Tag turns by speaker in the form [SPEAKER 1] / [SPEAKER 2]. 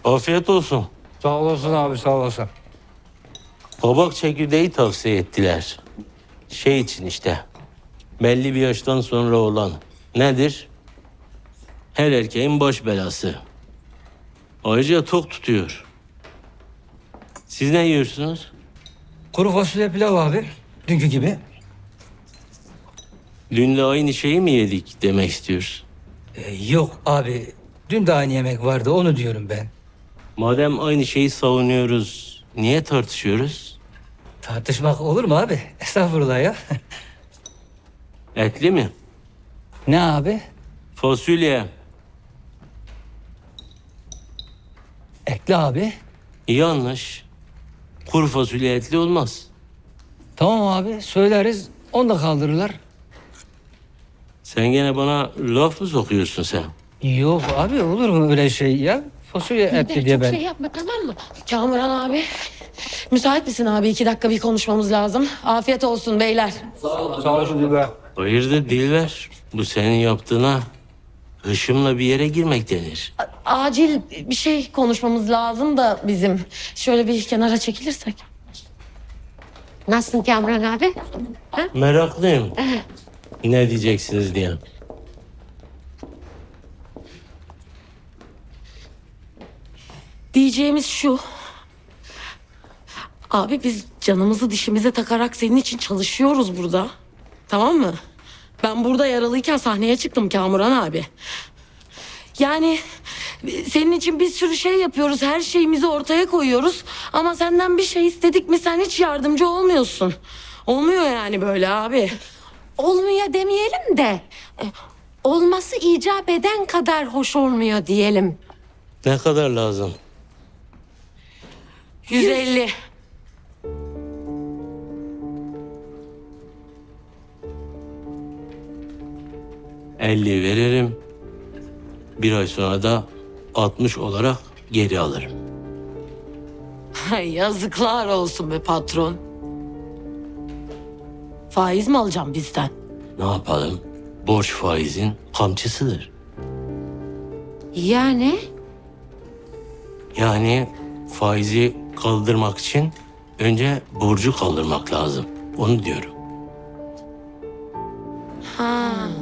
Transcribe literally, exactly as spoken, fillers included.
[SPEAKER 1] Afiyet olsun.
[SPEAKER 2] Sağ olasın abi, sağ olasın.
[SPEAKER 1] Kabak çekirdeği tavsiye ettiler. Şey için işte. Belli bir yaştan sonra olan. Nedir? Her erkeğin baş belası. Ayrıca tok tutuyor. Siz ne yiyorsunuz?
[SPEAKER 2] Kuru fasulye pilav abi. Dünkü gibi.
[SPEAKER 1] Dün de aynı şeyi mi yedik demek istiyoruz.
[SPEAKER 2] Ee, yok abi. Dün de aynı yemek vardı, onu diyorum ben.
[SPEAKER 1] Madem aynı şeyi savunuyoruz, niye tartışıyoruz?
[SPEAKER 2] Tartışmak olur mu abi? Estağfurullah ya.
[SPEAKER 1] Etli mi?
[SPEAKER 2] Ne abi?
[SPEAKER 1] Fasulye.
[SPEAKER 2] Ekle abi.
[SPEAKER 1] Yanlış. Kuru fasulye etli olmaz.
[SPEAKER 2] Tamam abi, söyleriz. Onu da kaldırırlar.
[SPEAKER 1] Sen gene bana laf mı sokuyorsun sen?
[SPEAKER 2] Yok abi, olur mu öyle şey ya? Fasulye etli
[SPEAKER 3] Bir de
[SPEAKER 2] diye
[SPEAKER 3] çok
[SPEAKER 2] ben.
[SPEAKER 3] şey yapma, tamam mı? Kamuran abi. Müsait misin abi? İki dakika bir konuşmamız lazım. Afiyet olsun beyler.
[SPEAKER 2] Sağ olasın Dilber.
[SPEAKER 1] Hayırdır Dilber? Bu senin yaptığına hışımla bir yere girmek denir.
[SPEAKER 3] A- acil bir şey konuşmamız lazım da bizim. Şöyle bir kenara çekilirsek.
[SPEAKER 4] Nasılsın Kamran abi?
[SPEAKER 1] Meraklıyım. Ne diyeceksiniz diye.
[SPEAKER 3] Diyeceğimiz şu. Abi biz canımızı dişimize takarak senin için çalışıyoruz burada. Tamam mı? Ben burada yaralıyken sahneye çıktım Kamuran abi. Yani senin için bir sürü şey yapıyoruz. Her şeyimizi ortaya koyuyoruz. Ama senden bir şey istedik mi sen hiç yardımcı olmuyorsun. Olmuyor yani böyle abi.
[SPEAKER 4] Olmuyor demeyelim de e, olması icap eden kadar hoş olmuyor diyelim.
[SPEAKER 1] Ne kadar lazım?
[SPEAKER 3] yüz elli.
[SPEAKER 1] elli veririm. Bir ay sonra da altmış olarak geri alırım.
[SPEAKER 3] Ay, yazıklar olsun be patron. Faiz mi alacağım bizden?
[SPEAKER 1] Ne yapalım? Borç faizin kamçısıdır.
[SPEAKER 4] Yani
[SPEAKER 1] Yani faizi kaldırmak için önce borcu kaldırmak lazım. Onu diyorum.
[SPEAKER 4] ha